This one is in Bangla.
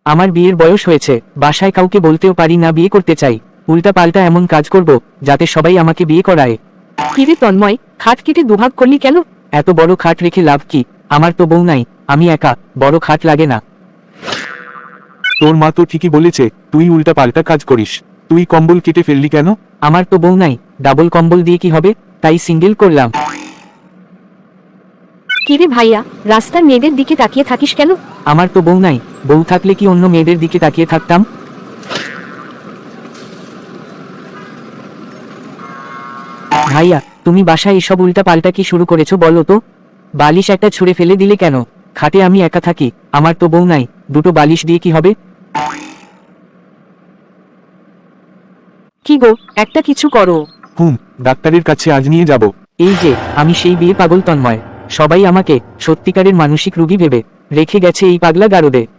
আমার বিয়ের বয়স হয়েছে, বাসায় কাউকে বলতেও পারি না বিয়ে করতে চাই। উল্টা পাল্টা এমন কাজ করব যাতে সবাই আমাকে বিয়ে করায়। কিরে তন্ময়, খাট কেটে দুভাগ করলি কেন? এত বড় খাট রেখে লাভ কি? আমার তো বউ নাই, আমি একা, বড় খাট লাগে না। তোর মা তো ঠিকই বলেছে, তুই উল্টা পাল্টা কাজ করিস। তুই কম্বল কেটে ফেললি কেন? আমার তো বউ নাই, ডাবল কম্বল দিয়ে কি হবে, তাই সিঙ্গেল করলাম। কিরে ভাইয়া, রাস্তার মেয়েদের দিকে তাকিয়ে থাকিস কেন? আমার তো বউ নাই, বউ থাকলে কি অন্য মেয়েদের দিকে তাকিয়ে থাকতাম? ভাইয়া, তুমি বাসায় এসব উল্টা পাল্টা কি শুরু করেছো বলো তো? বালিশ একটা ছুঁড়ে ফেলে দিলে কেন? খাটে আমি একা থাকি, আমার তো বউ নাই, দুটো বালিশ দিয়ে কি হবে? কি গো, একটা কিছু করো। ডাক্তারের কাছে আজ নিয়ে যাব। এই যে, আমি সেই বিয়ে পাগল তন্ময়। সবাই আমাকে সত্যিকারের মানসিক রোগী ভেবে রেখে গেছে এই পাগলা গারদে।